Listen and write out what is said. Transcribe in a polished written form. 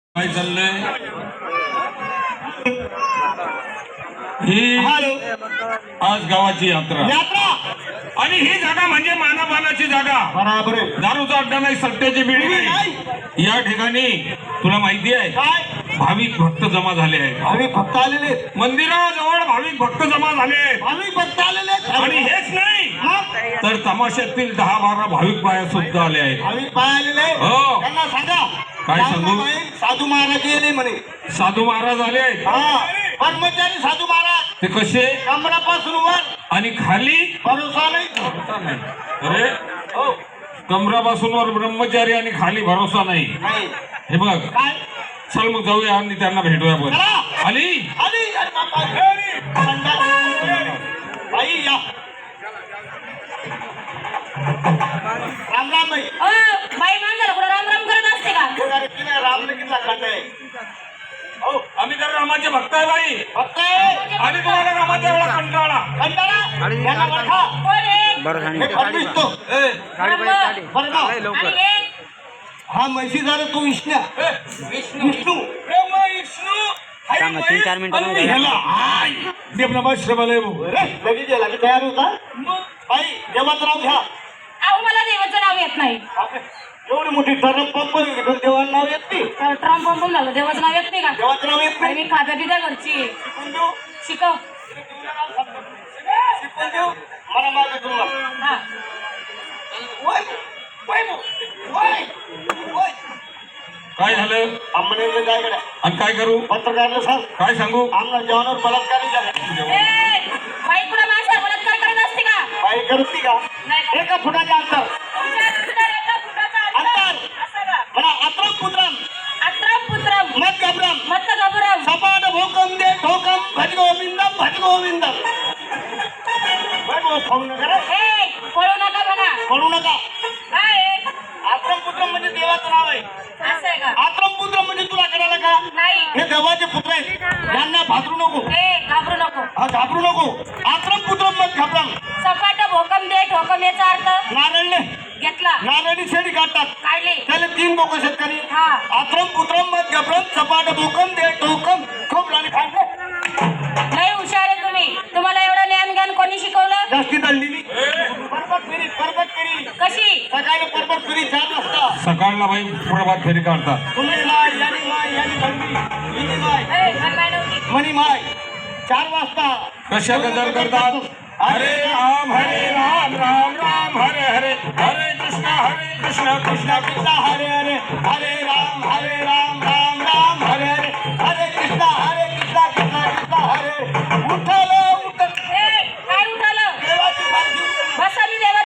काय चाललंय ही आज गावाची यात्रा आणि ही जागा म्हणजे मानापानाची जागा. बराबर आहे. दारूचा अड्डा नाही, सट्ट्याची बिडी नाही. या ठिकाणी तुला माहिती आहे काय भाविक भक्त जमा झाले आहेत. भाविक भक्त आलेले, मंदिराजवळ भाविक भक्त जमा झाले आहेत. भाविक भक्त आलेले आणि हेच नाही तर तमाशातील 10-12 भाविक बाया सुद्धा आले आहेत. भाविक पाय आलेले. हो. त्यांना सांगा काय सांगू? साधू महाराज येले म्हणे. साधू महाराज आले आहेत. हा कर्मचारी साधू महाराज ते कसे कमरापासून वर आणि खाली भरोसा नाही. अरे हो कमरापासून वर ब्रह्मचारी आणि खाली भरोसा नाही. नाही हे बघ काय चल मग जाऊया आणि त्यांना भेटूया. पण चला. आली आली अरे बापा. बाई या राम राम बाई. बाई माणसाला कुठं राम राम करत असते का? अरे तिने रामने किती खंड आहे. हो आम्ही तर रामाचे भक्त आहे बाई. भक्त आहे. आणि तुम्हाला रामाच्या वेळा कंटाळा. कंटाळा यांना बरखा. कोण आहे? हे फडणीस तो. बरं ना. आणि हे? हा म्हैशीदार तो विष्णू. विष्णू थांबा, 3-4 मिनिटं लगेच याला तयार होता. बाई देवाचं नाव घ्या. अहो मला देवाचं नाव येत नाही. एवढी मोठी टर्म पंप देवाचं नाव येत नाही. ट्रम्प पंपून झालं, देवाचं नाव येत नाही का? देवाचं नाव येत आणि नाही. मी खात्या पित्या घरची आहे. शिकून देऊ शिकव. शिकून देऊ मला मागे तुम्हाला. हा वय वय वय वय काय झालं आम्हाला काय करा आणि काय करू? पत्रकारला सांग काय सांगू? आमना जेवणावर बलात्कार झाला. ए, बाई कुठं माणसाला बलात्कार करत असते का? बाई करते का? नाही. एका फुटाचे अंतर तुमच्या अंतर एका फुटाचं अंतर असं का? म्हणा अत्रम पुत्रम अत्रम पुत्रम मत घबरम मत्त घबरम सपाट भोकम दे ठोकम भज गोविंदम फोन करा. ए, पळू नका म्हणा. पडू नका. काय आहे? आत्रम पुत्रम म्हणजे देवाचं नाव आहे. असं आहे का? आत्रम पुत्रम म्हणजे तुला करायला का? नाही. हे देवाचे पुत्र आहेत. यांना भादरू नको. ए, घाबरू नको. हा घाबरू नको. आत्रम पुत्रम मत घबरम. सपाट भोकम दे ठोकम याचा अर्थ नारळले घेतला. नारळी शेडी काढतात काढले. त्याला 3 बोक शेतकरी. हा. आत्रम पुत्रम मत घबरम सपाट भोकम दे ठोकम खूप लाणी खायचे. लय हुशार आहे तुम्ही. तुम्हाला एवढं ज्ञान ज्ञान कोणी शिकवलं? जास्ती दळलेली परबत फिरी कशी? सकाळी परबत फिरी 4 वाजता. सकाळला बाई प्रभात फेरी काढतात. तुम्ही माय यानी भंगी हिनी माय ए, मला माहिती नव्हती. मनी माय 4 वाजता कशा गजर करतात? हरे राम राम राम हरे हरे, हरे कृष्ण कृष्ण कृष्ण हरे हरे हरे राम